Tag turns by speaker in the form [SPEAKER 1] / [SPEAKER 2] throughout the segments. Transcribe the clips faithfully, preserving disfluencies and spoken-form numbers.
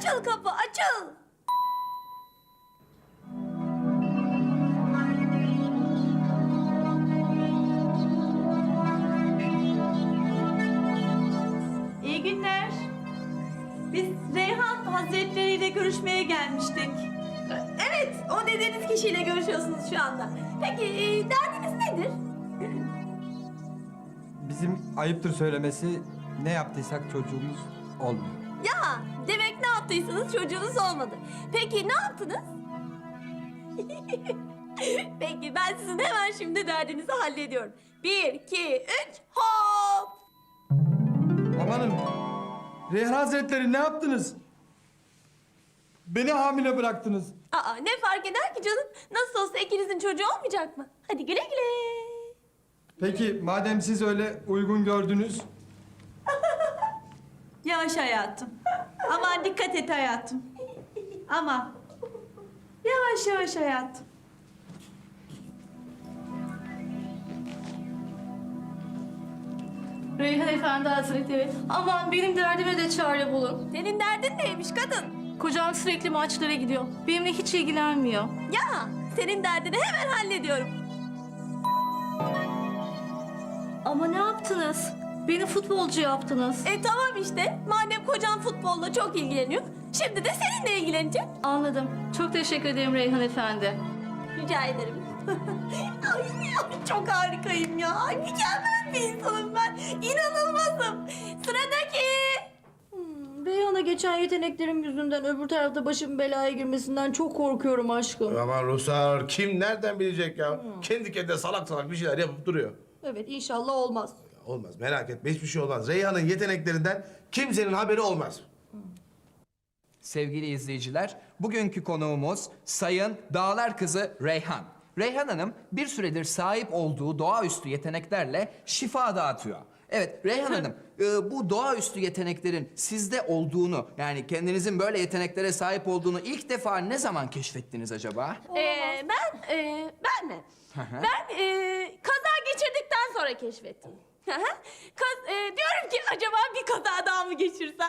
[SPEAKER 1] Açıl kapı, açıl. İyi günler. Biz Reyhan Hazretleri ile görüşmeye gelmiştik. Evet, o dediğiniz kişiyle görüşüyorsunuz şu anda. Peki, e, derdiniz nedir?
[SPEAKER 2] Bizim ayıptır söylemesi ne yaptıysak çocuğumuz olmuyor.
[SPEAKER 1] Ya, demek ne yaptıysanız çocuğunuz olmadı. Peki, ne yaptınız? Peki, ben sizin hemen şimdi derdinizi hallediyorum. Bir, iki, üç, hop!
[SPEAKER 2] Amanın, Reyhan Hazretleri ne yaptınız? Beni hamile bıraktınız.
[SPEAKER 1] Aa, ne fark eder ki canım? Nasıl olsa ikinizin çocuğu olmayacak mı? Hadi güle güle.
[SPEAKER 2] Peki madem siz öyle uygun gördünüz,
[SPEAKER 3] Yavaş hayatım. Aman dikkat et hayatım. Aman. Yavaş yavaş hayatım.
[SPEAKER 4] Reyhan Efendi Hazretleri, aman benim derdime de çare bulun.
[SPEAKER 1] Senin derdin neymiş kadın?
[SPEAKER 4] Kocam sürekli maçlara gidiyor. Benimle hiç ilgilenmiyor.
[SPEAKER 1] Ya, senin derdini hemen hallediyorum.
[SPEAKER 4] Ama ne yaptınız? Beni futbolcu yaptınız.
[SPEAKER 1] E tamam işte. Madem kocan futbolla çok ilgileniyor, şimdi de seninle ilgilenecek.
[SPEAKER 4] Anladım. Çok teşekkür ederim Reyhan Efendi.
[SPEAKER 1] Rica ederim. Ay, ay, çok harikayım ya. Ay, mükemmel bir insanım ben. İnanılmazım. Sıradaki.
[SPEAKER 4] Hmm, Reyhan'a geçen yeteneklerim yüzünden öbür tarafta başım belaya girmesinden çok korkuyorum aşkım.
[SPEAKER 5] Aman Rusar, kim nereden bilecek ya? Kendi kendine salak salak bir şeyler yapıp duruyor.
[SPEAKER 4] Evet, inşallah olmaz.
[SPEAKER 5] Olmaz, merak etme, hiçbir şey olmaz. Reyhan'ın yeteneklerinden kimsenin haberi olmaz.
[SPEAKER 6] Sevgili izleyiciler, bugünkü konuğumuz Sayın Dağlar Kızı Reyhan. Reyhan Hanım bir süredir sahip olduğu doğaüstü yeteneklerle şifa dağıtıyor. Evet Reyhan Hanım, e, bu doğaüstü yeteneklerin sizde olduğunu, yani kendinizin böyle yeteneklere sahip olduğunu ilk defa ne zaman keşfettiniz acaba?
[SPEAKER 1] Ee, ben, e, ben mi? Ben e, kaza geçirdikten sonra keşfettim. Hı hı. Kaz, e, diyorum ki acaba bir kaza daha mı geçirsem?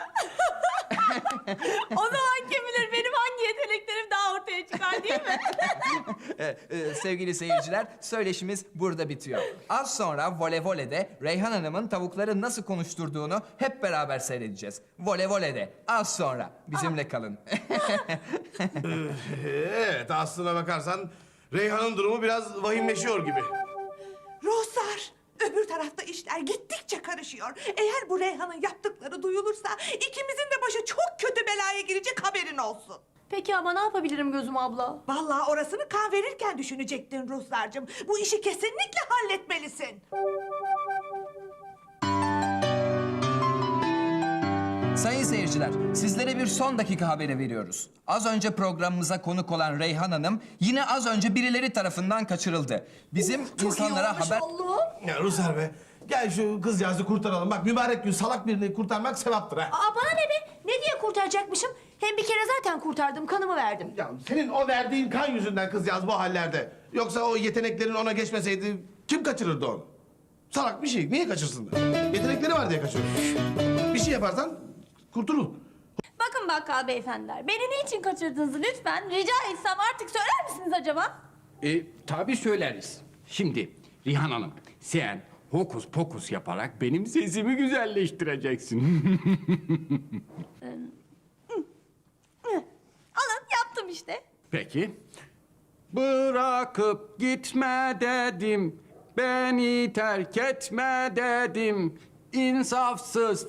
[SPEAKER 1] O zaman kim bilir benim hangi yeteneklerim daha ortaya çıkar değil mi?
[SPEAKER 6] E, e, sevgili seyirciler, söyleşimiz burada bitiyor. Az sonra Vole Vole'de Reyhan Hanım'ın tavukları nasıl konuşturduğunu hep beraber seyredeceğiz. Vole Vole'de az sonra bizimle kalın.
[SPEAKER 5] Evet, aslına bakarsan Reyhan'ın durumu biraz vahimleşiyor gibi.
[SPEAKER 7] Ruhsar, öbür tarafta işler gittikçe karışıyor. Eğer bu Reyhan'ın yaptıkları duyulursa ikimizin de başı çok kötü belaya girecek, haberin olsun.
[SPEAKER 4] Peki ama ne yapabilirim Gözüm abla?
[SPEAKER 7] Vallahi orasını kan verirken düşünecektin Ruhsar'cığım. Bu işi kesinlikle halletmelisin.
[SPEAKER 6] Sayın seyirciler, sizlere bir son dakika haberi veriyoruz. Az önce programımıza konuk olan Reyhan Hanım yine az önce birileri tarafından kaçırıldı. Bizim insanlara haber...
[SPEAKER 5] Ya Rusar be, gel şu kızcağızı kurtaralım. Bak mübarek gün salak birini kurtarmak sevaptır ha.
[SPEAKER 4] Aa, bana ne be? Ne diye kurtaracakmışım? Hem bir kere zaten kurtardım, kanımı verdim.
[SPEAKER 5] Ya senin o verdiğin kan yüzünden kızcağız bu hallerde. Yoksa o yeteneklerin ona geçmeseydi kim kaçırırdı onu? Salak bir şey, niye kaçırsınlar? Yetenekleri var diye kaçırır. Bir şey yaparsan kurtulur.
[SPEAKER 1] Bakın bakkal beyefendiler, beni niçin kaçırdınız lütfen? Rica etsem artık söyler misiniz acaba?
[SPEAKER 8] E, tabii söyleriz. Şimdi Rihan Hanım, sen hokus pokus yaparak benim sesimi güzelleştireceksin.
[SPEAKER 1] Alın, yaptım işte.
[SPEAKER 8] Peki. Bırakıp gitme dedim, beni terk etme dedim. İnsafsız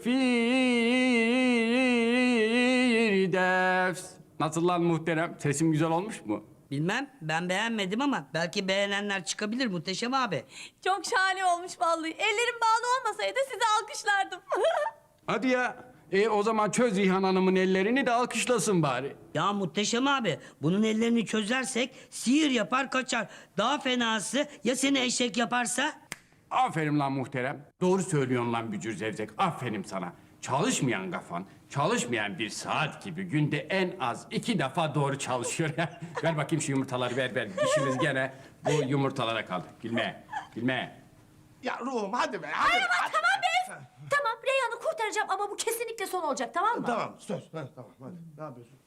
[SPEAKER 8] Firdevs. Nasıl lan muhterem? Sesim güzel olmuş mu?
[SPEAKER 9] Bilmem, ben beğenmedim ama belki beğenenler çıkabilir Muhteşem abi.
[SPEAKER 1] Çok şahane olmuş vallahi. Ellerim bağlı olmasaydı sizi alkışlardım.
[SPEAKER 8] Hadi ya. E o zaman çöz Rihan Hanım'ın ellerini de alkışlasın bari.
[SPEAKER 9] Ya Muhteşem abi, bunun ellerini çözersek sihir yapar kaçar. Daha fenası ya seni eşek yaparsa?
[SPEAKER 8] Aferin lan muhterem. Doğru söylüyorsun lan Bücür Zevzek. Aferin sana. Çalışmayan kafan, çalışmayan bir saat gibi günde en az iki defa doğru çalışıyor. Ver bakayım şu yumurtaları, ver ver. İşimiz gene bu yumurtalara kaldı. Gülme, gülme.
[SPEAKER 5] Ya ruhum hadi be, hadi.
[SPEAKER 1] Tamam be. Tamam,
[SPEAKER 4] Reyhan'ı kurtaracağım ama bu kesinlikle son olacak, tamam mı?
[SPEAKER 5] Tamam söz. Ha, tamam hadi. Ne yapıyorsun?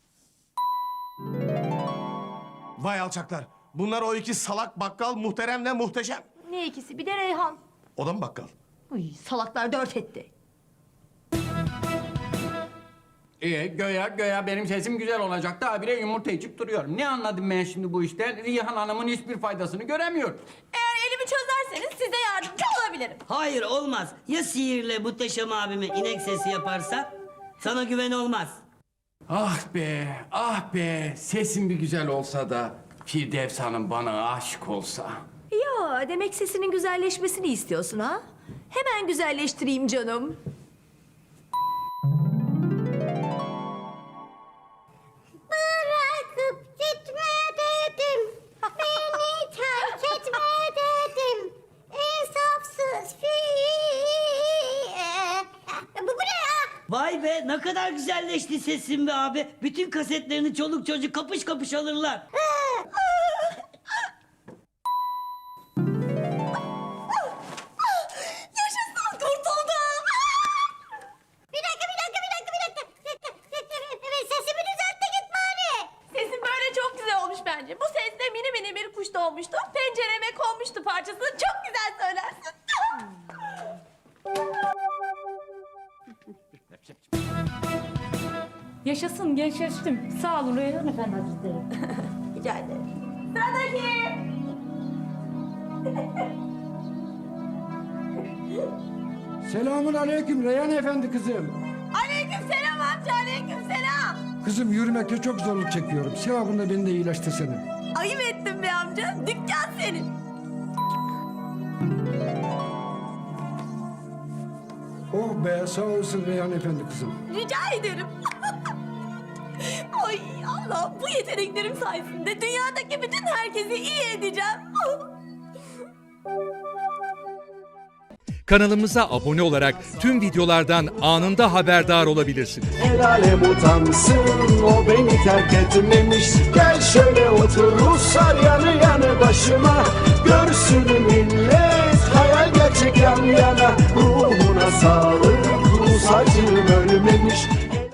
[SPEAKER 5] Vay alçaklar. Bunlar o iki salak bakkal muhteremle muhteşem.
[SPEAKER 4] Ne ikisi? Bir de Reyhan.
[SPEAKER 5] O da mı bakkal?
[SPEAKER 4] Uy, salaklar dört etti.
[SPEAKER 8] İyi, göya göya benim sesim güzel olacak da habire yumurta içip duruyorum. Ne anladım ben şimdi bu işten? Rihan Hanım'ın hiçbir faydasını göremiyorum.
[SPEAKER 1] Eğer elimi çözerseniz size yardımcı olabilirim.
[SPEAKER 9] Hayır olmaz. Ya sihirle muhteşem abime inek sesi yaparsa? Sana güven olmaz.
[SPEAKER 8] Ah be, ah be. Sesim bir güzel olsa da Firdevs Hanım bana aşık olsa.
[SPEAKER 4] Ya demek sesinin güzelleşmesini istiyorsun ha? Hemen güzelleştireyim canım.
[SPEAKER 10] Bırakıp gitme dedim. Beni terk etme dedim. İnsafsız fi. Bu, bu ne ya?
[SPEAKER 9] Vay be ne kadar güzelleşti sesin be abi. Bütün kasetlerini çoluk çocuk kapış kapış alırlar.
[SPEAKER 1] Yaşasın, kurtuldum.
[SPEAKER 10] Bir dakika, bir dakika, bir dakika, bir dakika. Evet, sesimi düzelt de git bari.
[SPEAKER 1] Sesim böyle çok güzel olmuş bence. Bu sesle mini mini bir kuş doğmuştu. Pencereme konmuştu parçasını. Çok güzel söylersin.
[SPEAKER 11] Yaşasın, gençleştim. Sağ olun Reyhan Efendi Hazretleri.
[SPEAKER 1] Rica ederim. Sıradaki.
[SPEAKER 12] Selamun aleyküm Reyhan Efendi kızım.
[SPEAKER 1] Aleyküm selam amca, aleyküm selam.
[SPEAKER 12] Kızım yürümekte çok zorluk çekiyorum. Sevabında beni de iyileştirsene.
[SPEAKER 1] Ayıp ettin be amca. Dükkan senin.
[SPEAKER 12] Oh be sağ olsun Reyhan Efendi kızım.
[SPEAKER 1] Rica ederim. Ay Allah, bu yeteneklerim sayesinde dünyadaki bütün herkesi iyi edeceğim.
[SPEAKER 13] Kanalımıza abone olarak tüm videolardan anında haberdar olabilirsiniz.
[SPEAKER 14] El alem utansın o beni terk etmemiş. Gel şöyle otur Ruslar yanı yanı başıma. Görsün